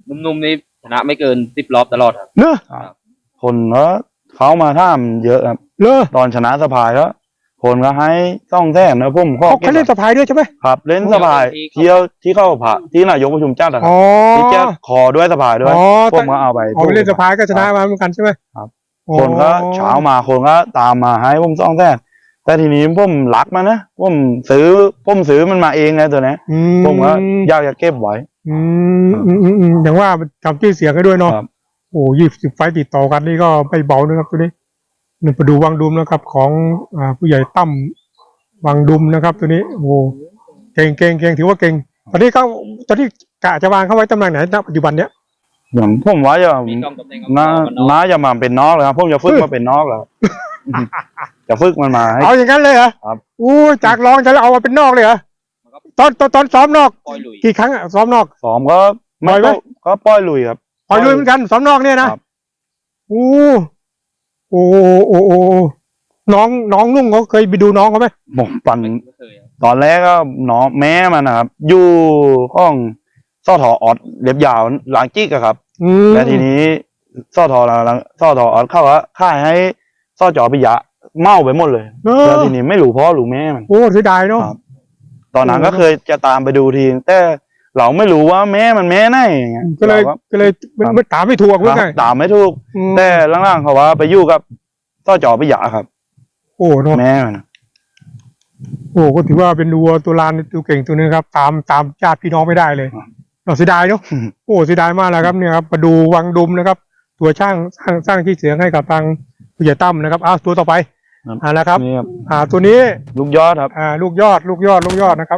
นุ่มๆนี่ชนะไม่เกิน10 รอบตลอดครับเนอะคนก็เขามาท่ามเยอะครับเลอตอนชนะสภายก็คนก็ให้ต้องแท้นะผมข้อเขาเล่นสะพายด้วยใช่ไหมครับเล่นสภายเที่ยวที่เข้าผ่าที่นายกประชุมจัดอะครัอ๋บอที่แจ้ขอด้วยสภายด้วยอ๋อผมก็เอาไปอ๋อเล่นสะพายก็ชนะมาเหมือนกันใช่ไหมครับอ๋อคนก็เช้ามาคนก็ตามมาให้ผมต้องแท้แต่ทีนี้ผมรักมันนะผมซื้อมันมาเองไงตัวนี้อืผมก็อยากจะเก็บไว้อย่างว่าทำชื่อเสียงให้ด้วยเนาะครับโอ้20 ไฟต์ติดต่อกันนี่ก็ไม่เบานะครับตัวนี้นี่ไปดูวังดุมนะครับ ของผู้ใหญ่ตั้มวังดุมนะครับ ตัวนี้โอ้เก่งถือว่าเก่งตอนนี้กะจะวางเขาไว้ตำแหน่งไหนณปัจจุบันเนี้ยอย่างผมว่าจะมีกล้องตำแหน่งน่าจะมาเป็นนอกเลยครับผมจะฝึกมาเป็นนอกแล้ว จะฝึกมันมาให้เอาอย่างนั้นเลยเหรอครับอู้จากรองจะเอามาเป็นนอกเลยเหรอตอนซ้อมนอกปล่อยลุยกี่ครั้งอะซ้อมนอกซ้อมก็ปล่อยไหมก็ปล่อยลุยครับปล่อยลุยเหมือนกันซ้อมนอกเนี่ยนะครับ อู้โอ้น้องนุ่งเขาเคยไปดูน้องเขาไหมผมปั่นไม่เคยครับตอนแรกก็น้องแม่มันนะครับ อยู่ห้องซ่อถอออดเล็บยาวหลังจิ๊กอะครับ และทีนี้ซ่อถอออดเข้าว่าค่ายให้ซ่อจอปิยะเมาไปหมดเลย แล้วทีนี้ไม่รู้พ่อรู้แม่มันโอ้เสียดายเนาะครับ ตอนนั้นโอ้ก็เคยจะตามไปดูทีแต่เราไม่รู้ว่าแม่มันแม่ไหนอย่างเงี้ยก็เลยราไม่ตามไม่ถูกคเพื่อรับไงตามไม่ถูก แต่ล่างๆเขาว่าไปอยู่กับซ่อจอปิยะครับโอ้เนาะแม่มันโอ้ก็ถือว่าเป็นวัวตัวลานตัวเก่งตัวนึงครับ ตามญาติพี่น้องไม่ได้เลยเสียดายเนาะ โอ้เสียดายมากแล้วครับเนี่ยครับมาดูวังดุมนะครับ ตัวสร้างที่เสียงให้กับทางผู้ใหญ่ตั้มนะครับตัวต่อไปนะครับนี่ครับตัวนี้ลูกยอดครับลูกยอดนะครับ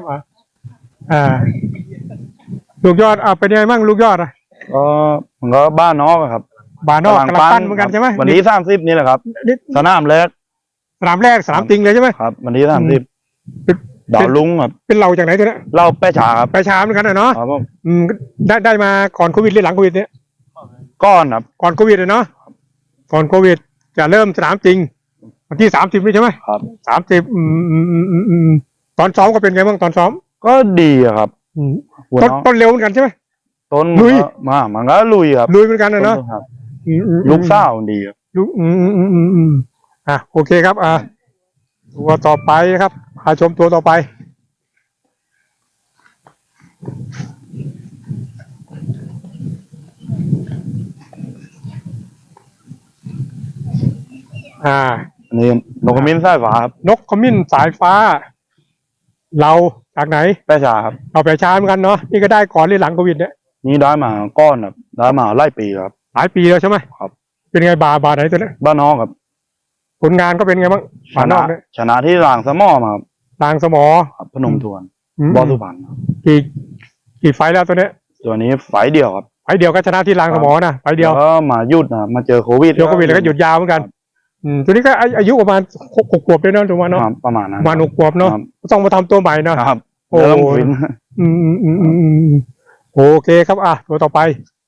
ลูกยอดเป็นยังไงบ้างลูกยอดก็มันก็บ้านนอกอะครับบานอกกำลังปั้นเหมือนกันใช่ไหมวันที่30นี่แหละครับนี่สนามแรกสนามแรกสนามจริงเลยใช่ไหมครับ วันที่30 เป็นดาวลุงครับเป็นเราจากไหนตัวเนี้ยเล่าแป้ฉาครับไปช้าเหมือนกันเนาะครับผมได้มาก่อนโควิดหรือหลังโควิดเนี่ยก้อนครับก่อนโควิดเลยเนาะก่อนโควิดจะเริ่มสนามจริงวันที่30นี่ใช่ไหมครับ 30ตอนซ้อมก็เป็นไงบ้างตอนซ้อมก็ดีอะครับหัวน้องต้นเร็วเหมือนกันใช่ไหมต้นลุยมันก็ลุยครับลุยเหมือนกันเนาะครับลูกสาวดีครับลูกโอเคครับตัวต่อไปนะครับพาชมตัวต่อไปอันนี้นกขมิ้นสายฟ้าครับนกขมิ้นสายฟ้า เราจากไหนแป้ฉาครับเราไปช้าเหมือนกันเนาะนี่ก็ได้ก่อนหรือหลังโควิดเนี่ยนี่ได้มาก้อนครับได้มาไล่ปีครับหลายปีแล้วใช่ไหมครับเป็นไงบาไหนตัวเนี้ยบ้านนอกครับผลงานก็เป็นไงบ้างชบานนนะอกเนี่ยชนะที่รางสะหมอมาครับลางสมอครับพนมทวนมบอสุพรรณครับกี่ไฟล์แล้วตัวเนี้ยตัวนี้ไฟล์เดียวครับไฟล์เดียวก็ชนะที่ลางสมอนะไฟล์เดียวแล้วก็มาหยุดนะมาเจอโควิดเดียวโควิดแล้วก็หยุดยาวเหมือนกันตัวนี้ก็อายุประมาณ6 ขวบด้วยเนาะถูกไหมเนาะครับประมาณนั้นประมาณ6 ขวบเนาะครับต้องมาทำตัวใหม่เนาะครับโอ้เริ่มฟินโอเคครับตัวต่อไป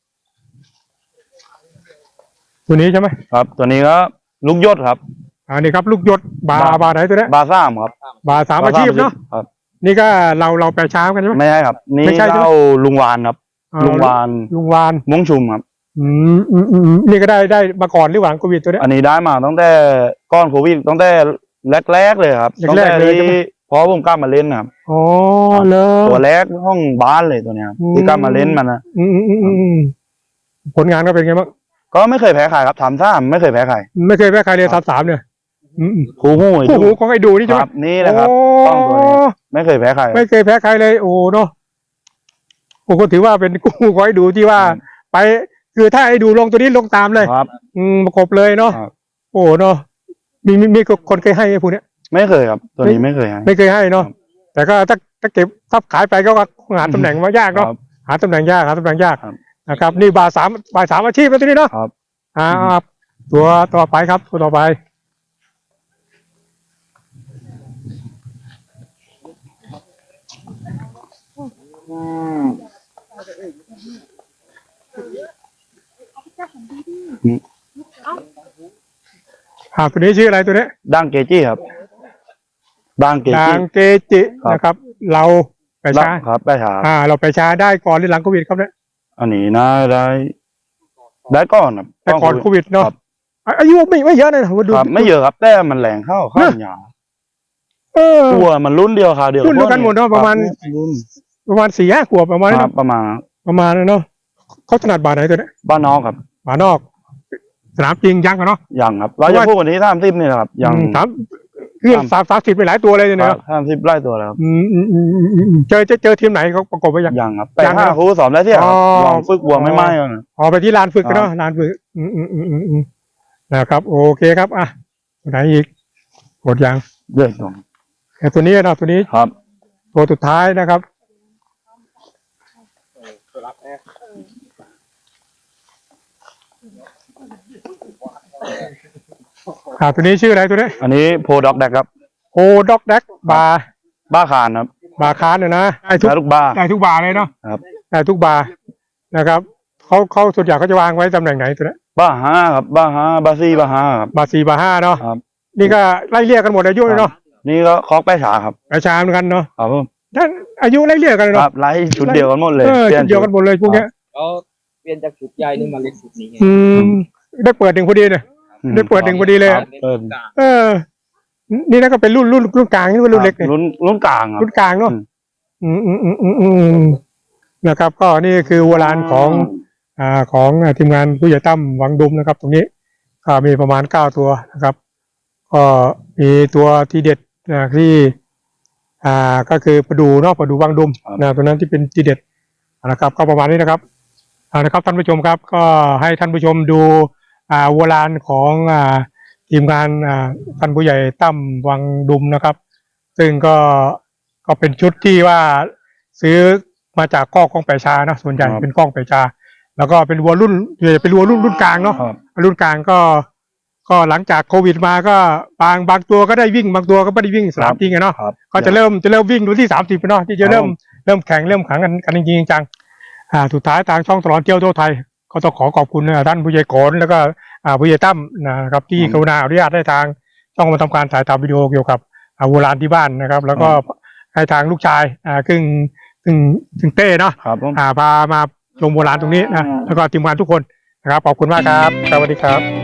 ตัวนี้ใช่ไหมครับ ตัวนี้ก็ลูกยศครับนี่ครับลูกยศบาไหนตัวเนี้ยบาซ่ามครับบาสามอาชีพเนาะครับนี่ก็เราไปช้ากันใช่ไหมไม่ใช่ครับ นี่ไม่ใช่ใช่ไหมเล่าลุงวานครับ ลุงวานลุงวานม้งชุมครับนี่ก็ได้มาก่อนหรือหลังโควิดตัวเนี้ยอันนี้ได้มาตั้งแต่ก้อนโควิดตั้งแต่แรกๆเลยครับตั้งแรแต่กๆเลยใช่ไหมที่พอผมกลับมาเล่นนะครับอ๋อเลยตัวแรกห้องบ้านเลยตัวเนี้ยครับที่กลับมาเล่นมันนะผลงานก็เป็นไงบ้างก็ไม่เคยแพ้ใครครับทำท่าไม่เคยแพ้ใครไม่เคยแพ้ใครเลย3-3เนี่ยคู่หู้โอ้โหของไอ้ดูนี่ใช่ไหมครับนี่แหละครับ ต้องตัวนี้ไม่เคยแพ้ใครไม่เคยแพ้ใครเลยโอ้เนาะโอ้ก็ถือว่าเป็นกู้ของไอ้ดูที่ว่า ไปคือถ้าไอ้ดูลงตัวนี้ลงตามเลยครับประกบเลยเนาะครับโอ้เนาะมีคนเคยให้ไอ้พวกเนี้ยไม่เคยครับ ตัวนี้ไม่เคยให้ไม่เคยให้เนาะแต่ก็ถ้าเก็บถ้าขายไปก็หาตำแหน่งมายากเนาะครับหาตำแหน่งยากครับนะครับ นี่บาสามอาชีพแล้วตัวนี้เนาะครับตัวต่อไปครับตัวต่อไปตัวนี้ชื่ออะไรตัวนี้ดังเกจี้ครับดังเกดัจี้งเกจิครับนะครับ เราไปช้าครับไปช้าเราไปช้าได้ก่อนหรือหลังโควิดครับเนี่ยอันนี้นะได้ก่อนครับแต่ก่อนโควิดเนาะครับอายุไม่เยอะนะผมดูครับไม่เยอะครับแต่มันแรงเข้าหยาเออตัวมันรุ่นเดียวค่ะเดียวรุ่นเดียวกันหมดเนอะประมาณรุ่นประมาณ4-5 ขวบประมาณนั้นครับนะประมาณประมาณนั้นเนาะเขาถนัดบาทไหนตัวเนี้ยบ้านนอกครับบาทนอก สนามจริงยังกันเนาะยังครับเราจะพูดวันนี้30นี่นะครับยังถามคือ30ไปหลายตัวเลยเนี่ย 30ไล่ตัวแล้วครับเจอทีมไหนเขาประกบไปยังยังครับแต่ยังห้านะครูสอนได้ที่ครับอ๋อลองฝึกวัวไม่ไหม้ก่อนอ๋อไปที่ลานฝึกกันเนาะครับลานฝึกนะครับโอเคครับอ่ะตัวไหนอีกหมดยังเดือดตรงแต่ตัวนี้เนาะตัวนี้ครับตัวสุดท้ายนะครับตัวนี้ชื่ออะไรตัวนี้อันนี้โพด็อกแดกครับโอด็อกแดกบาร์บ้าคานครับบาร์คานเนี่ยนะได้ทุกและลูกบ้าได้ทุกบาร์เลยเนาะครับได้ทุกบาร์นะครับเขาส่วนใหญ่เขาจะวางไว้ตำแหน่งไหนตัวนี้บ้าห้าครับบ้าห้าบ้าซี่บ้าห้าครับบาร์4 บาร์ 5เนาะครับนี่ก็ไล่เรียกกันหมดอายุเลยเนาะนี่ก็คอกแป้ฉาครับอาชาเหมือนกันเนาะครับผมท่านอายุไล่เรียกกันคเนาะรับไล่ชุดเดียวกันหมดเลยชุดเดียวกันหมดเลยพวกเนี้ยแล้วเปลี่ยนจากชุดใหญ่นี่มาเล็กชุดนี้ไงได้เปิดหนึ่งพอดีเนี่ย ได้เปิดหนึ่งพอดีเลยครับเปิดนี่นะก็เป็นรุ่นกลางนี่เป็นรุ่นเล็กเนี่ยรุ่นกลางครับรุ่นกลางเนาะนะครับก็นี่คือวัวลานของทีมงานผู้ใหญ่ตั้มวังดุมนะครับ ตรงนี้ก็มีประมาณ9 ตัวนะครับ ก็มีตัวที่เด็ดที่ก็คือประดูเนาะประดูวังดุมนะตัวนั้นที่เป็นที่เด็ดนะครับก็ประมาณนี้นะครับนะครับท่านผู้ชมครับก็ให้ท่านผู้ชมดูวัวลานของทีมงานท่านผู้ใหญ่ตั้มวังดุมนะครับ ซึ่งก็เป็นชุดที่ว่าซื้อมาจากกล้องแปรชานะส่วนใหญ่เป็นกล้องแปรชา แล้วก็เป็นวัวรุ่นเป็นวัวรุ่นกลางเนาะครับรุ่นกลางก็หลังจากโควิดมาก็บางตัวก็ได้วิ่งบางตัวก็ไม่ได้วิ่งสนามจริงอะเนาะครับก็จะเริ่มวิ่งดูที่30เนาะที่จะเริ่มแข่งเริ่มขังกันจริงๆจังสุดท้ายทางช่องตลอดเที่ยวทั่วไทยก็ต้องขอบคุณท่านผู้ใหญ่โขนแล้วก็ผู้ใหญ่ตั้มนะครับที่กรุณาอนุญาตให้ทางช่องมาทำการถ่ายทำวิดีโอเกี่ยวกับวัวลานที่บ้านนะครับ แล้วก็ให้ทางลูกชายซึ่งเต้เนาะครับผมพามาชมโบราณตรงนี้นะแล้วก็ทีมงานทุกคนนะครับขอบคุณมากครับสวัสดีครับ